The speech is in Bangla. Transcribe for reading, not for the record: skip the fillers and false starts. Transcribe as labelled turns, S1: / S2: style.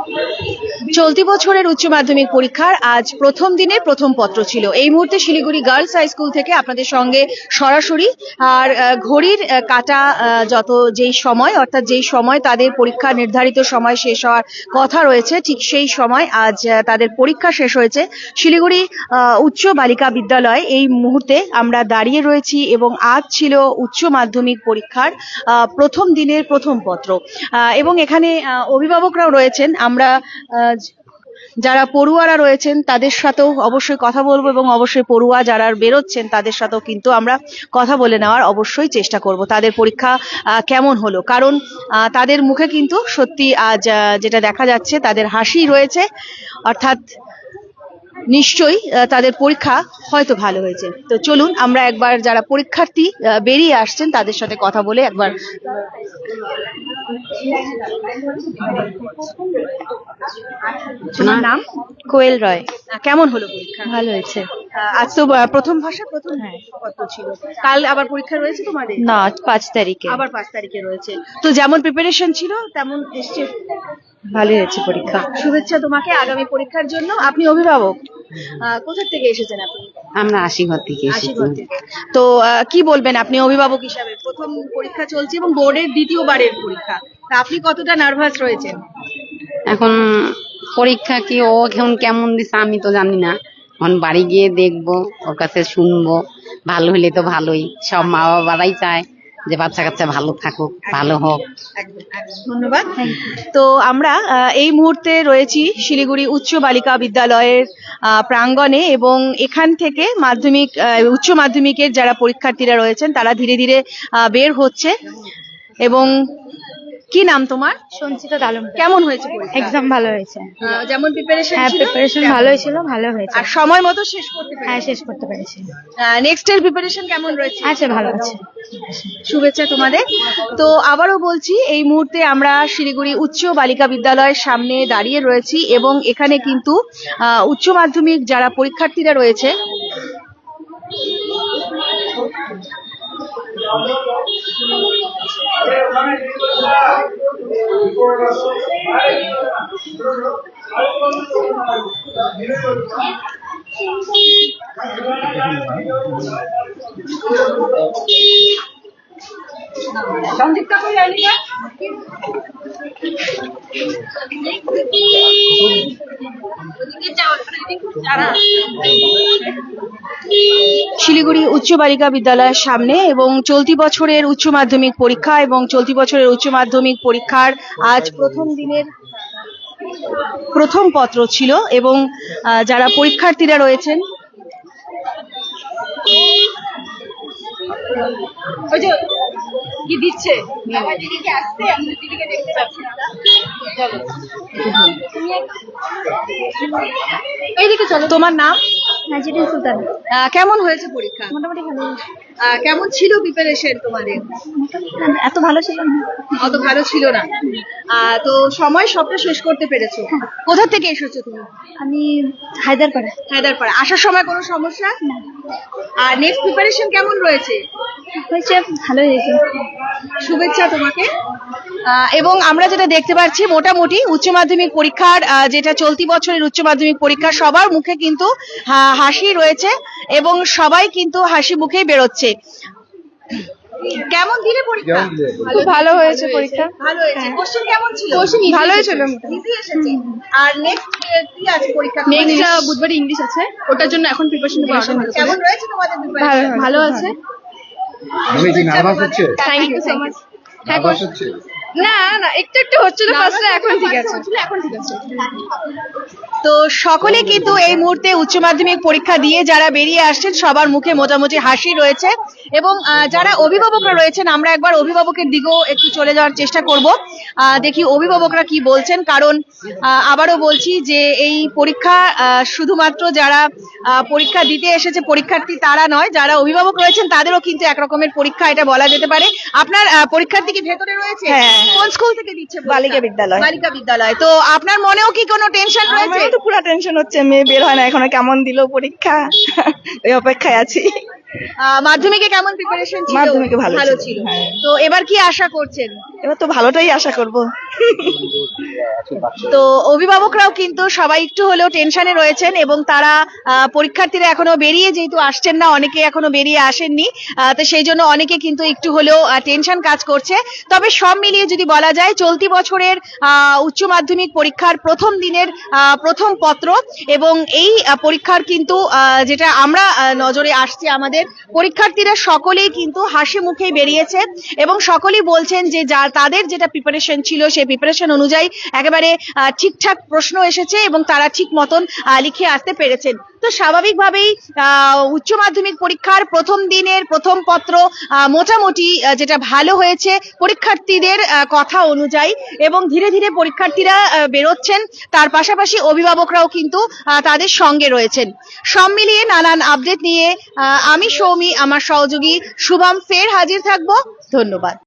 S1: চলতি বছরের উচ্চ মাধ্যমিক পরীক্ষার আজ প্রথম দিনের প্রথম পত্র ছিল। এই মুহূর্তে শিলিগুড়ি গার্লস হাই স্কুল থেকে আপনাদের সঙ্গে সরাসরি আর ঘড়ির কাটা যেই সময় অর্থাৎ যেই সময় তাদের পরীক্ষা নির্ধারিত সময় শেষ হওয়ার কথা রয়েছে ঠিক সেই সময় আজ তাদের পরীক্ষা শেষ হয়েছে শিলিগুড়ি উচ্চ বালিকা বিদ্যালয়। এই মুহূর্তে আমরা দাঁড়িয়ে রয়েছি এবং আজ ছিল উচ্চ মাধ্যমিক পরীক্ষার প্রথম দিনের প্রথম পত্র এবং এখানে অভিভাবকরাও রয়েছেন। আমরা যারা পড়ুয়ারা রয়েছেন তাদের সাথেও অবশ্যই কথা বলবো এবং অবশ্যই পড়ুয়া যারা বেরোচ্ছেন তাদের সাথেও কিন্তু আমরা কথা বলে নেওয়ার অবশ্যই চেষ্টা করব তাদের পরীক্ষা কেমন হলো, কারণ তাদের মুখে কিন্তু সত্যি আজ যেটা দেখা যাচ্ছে তাদের হাসি রয়েছে, অর্থাৎ নিশ্চয়ই তাদের পরীক্ষা হয়তো ভালো হয়েছে। তো চলুন আমরা একবার যারা পরীক্ষার্থী বেরিয়ে আসছেন তাদের সাথে কথা বলে একবার। তোমার নাম?
S2: কোয়েল রয়।
S1: কেমন হলো পরীক্ষা?
S2: ভালো হয়েছে।
S1: আজ তো প্রথম ভাষা প্রথম পত্র ছিল, কাল আবার পরীক্ষা রয়েছে তোমাদের?
S2: না, 5 তারিখে।
S1: আবার 5 তারিখে রয়েছে। তো যেমন প্রিপারেশন ছিল তেমন এসছে?
S2: ভালো হয়েছে পরীক্ষা।
S1: শুভেচ্ছা তোমাকে আগামী পরীক্ষার জন্য। আপনি অভিভাবক, কোথা থেকে এসেছেন আপনি?
S2: আমরা আশীঘর থেকে এসেছি।
S1: আশীঘর থেকে। তো কি বলবেন আপনি অভিভাবক হিসাবে? প্রথম পরীক্ষা চলছে এবং বোর্ডের দ্বিতীয়বারের পরীক্ষা, তা আপনি কতটা নার্ভাস রয়েছেন?
S2: এখন পরীক্ষা কি ও এখন কেমন দিছে আমি তো জানি না, এখন বাড়ি গিয়ে দেখবো, ওর কাছে শুনবো। ভালো হলে তো ভালোই, সব মা বাবারাই চায় যে বাচ্চা কাচ্চা ভালো থাকুক, ভালো হোক।
S1: ধন্যবাদ। তো আমরা এই মুহূর্তে রয়েছি শিলিগুড়ি উচ্চ বালিকা বিদ্যালয়ের প্রাঙ্গণে এবং এখান থেকে উচ্চ মাধ্যমিকের যারা পরীক্ষার্থীরা রয়েছেন তারা ধীরে ধীরে বের হচ্ছে। এবং কি নাম তোমার?
S3: সঞ্চিতা দালম।
S1: কেমন হয়েছে পরীক্ষা?
S3: এক্সাম ভালো হয়েছে।
S1: যেমন প্রিপারেশন
S3: হ্যাঁ,
S1: ছিল?
S3: প্রিপারেশন ভালোই ছিল, ভালো হয়েছে।
S1: আর সময় মতো শেষ করতে পেরেছো?
S3: হ্যাঁ, শেষ করতে পেরেছি।
S1: নেক্সট এর প্রিপারেশন কেমন রয়েছে?
S3: আচ্ছা, ভালো আছে।
S1: শুভেচ্ছা তোমাদের। তো আবারও বলছি এই মুহূর্তে আমরা শিলিগুড়ি উচ্চ বালিকা বিদ্যালয়ের সামনে দাঁড়িয়ে রয়েছি এবং এখানে কিন্তু উচ্চ মাধ্যমিক যারা পরীক্ষার্থীরা রয়েছে শিলিগুড়ি উচ্চ বালিকা বিদ্যালয়ের সামনে এবং চলতি বছরের উচ্চ মাধ্যমিক পরীক্ষা এবং চলতি বছরের উচ্চ মাধ্যমিক পরীক্ষার আজ প্রথম দিনের প্রথম পত্র ছিল এবং যারা পরীক্ষার্থীরা রয়েছেন কি দিচ্ছে এইদিকে চলো। তোমার নাম?
S3: নাজিরুল সুলতান।
S1: কেমন হয়েছে পরীক্ষা?
S3: মোটামুটি ভালো।
S1: কেমন ছিল প্রিপারেশন তোমাদের?
S3: এত ভালো ছিল না।
S1: অত ভালো ছিল না। তো সময় সবটা শেষ করতে পেরেছো? কোথা থেকে এসেছো তুমি?
S3: আমি হায়দারপাড়া।
S1: হায়দারপাড়া। আসার সময় কোনো সমস্যা? আর নেক্সট প্রিপারেশন কেমন রয়েছে?
S3: হয়েছে, ভালো হয়েছে।
S1: শুভেচ্ছা তোমাকে। এবং আমরা যেটা দেখতে পাচ্ছি মোটামুটি উচ্চ মাধ্যমিক পরীক্ষার যেটা চলতি বছরের উচ্চ মাধ্যমিক পরীক্ষা সবার মুখে কিন্তু হাসি রয়েছে এবং সবাই কিন্তু হাসি মুখেই বেরোচ্ছে। কেমন দিলে পরীক্ষা?
S3: খুব ভালো হয়েছে পরীক্ষা।
S1: ভালো হয়েছে। কোশ্চেন কেমন ছিল?
S3: ভালোই ছিল।
S1: ইজি এসেছে। আর নেক্সট কি আছে পরীক্ষা?
S3: নেক্সট বুধবার ইংলিশ আছে, ওটার জন্য এখন প্রিপারেশন নেওয়া হচ্ছে।
S1: কেমন রয়েছে তোমাদের প্রিপারেশন?
S3: ভালো আছে।
S4: আমি কি নার্ভাস হচ্ছে?
S3: Thank you so much.
S4: Nervous হচ্ছে?
S3: না না, একটু হচ্ছিল ফার্স্টে, এখন ঠিক আছে।
S1: তো সকলে কিন্তু এই মুহূর্তে উচ্চ মাধ্যমিক পরীক্ষা দিয়ে যারা বেরিয়ে আসছেন সবার মুখে মোটামুটি হাসি রয়েছে এবং যারা অভিভাবকরা রয়েছেন আমরা একবার অভিভাবকের দিকেও একটু চলে যাওয়ার চেষ্টা করব, দেখি অভিভাবকরা কি বলছেন। কারণ আবারও বলছি যে এই পরীক্ষা শুধুমাত্র যারা পরীক্ষা দিতে এসেছে পরীক্ষার্থী তারা নয়, যারা অভিভাবক রয়েছেন তাদেরও কিন্তু একরকমের পরীক্ষা এটা বলা যেতে পারে। আপনার পরীক্ষার্থী কি ভেতরে রয়েছে? কোন স্কুল থেকে দিচ্ছে?
S2: বালিকা বিদ্যালয়।
S1: বালিকা বিদ্যালয়। তো আপনার মনেও কি কোনো টেনশন রয়েছে?
S2: তো পুরো টেনশন হচ্ছে, মেয়ে বের হয় না এখনো, কেমন দিল পরীক্ষা ওই অপেক্ষায় আছি।
S1: মাধ্যমিকে কেমন প্রিপারেশন ছিল?
S2: মাধ্যমিকে ভালো
S1: ছিল।
S2: হ্যাঁ।
S1: তো এবার কি আশা করছেন? এবার তো ভালোটাই আশা করব। তো অভিভাবকরাও কিন্তু সবাই একটু হলেও টেনশনে রয়েছেন এবং তারা পরীক্ষার্থীরা এখনো বেরিয়ে যেহেতু আসছেন না, অনেকে এখনো বেরিয়ে আসেননি, তো সেই জন্য অনেকে কিন্তু একটু হলেও টেনশন কাজ করছে। তবে সব মিলিয়ে যদি বলা যায় চলতি বছরের উচ্চ মাধ্যমিক পরীক্ষার প্রথম দিনের প্রথম পত্র এবং এই পরীক্ষার কিন্তু যেটা আমরা নজরে আসছে, আমাদের পরীক্ষার্থীরা সকলেই কিন্তু হাসি মুখে বেরিয়েছে এবং সকলেই বলছেন যে তাদের যেটা প্রিপারেশন ছিল সেই প্রিপারেশন অনুযায়ী একেবারে ঠিকঠাক প্রশ্ন এসেছে এবং তারা ঠিক মতন লিখে আসতে পেরেছেন। তো স্বাভাবিকভাবেই উচ্চ মাধ্যমিক পরীক্ষার প্রথম দিনের প্রথম পত্র মোটামুটি যেটা ভালো হয়েছে পরীক্ষার্থীদের কথা অনুযায়ী, এবং ধীরে ধীরে পরীক্ষার্থীরা বেরোচ্ছেন, তার পাশাপাশি অভিভাবকরাও কিন্তু তাদের সঙ্গে রয়েছেন। সব মিলিয়ে নানান আপডেট নিয়ে আমি সৌমি, আমার সহযোগী শুভম ফের হাজির থাকবো। ধন্যবাদ।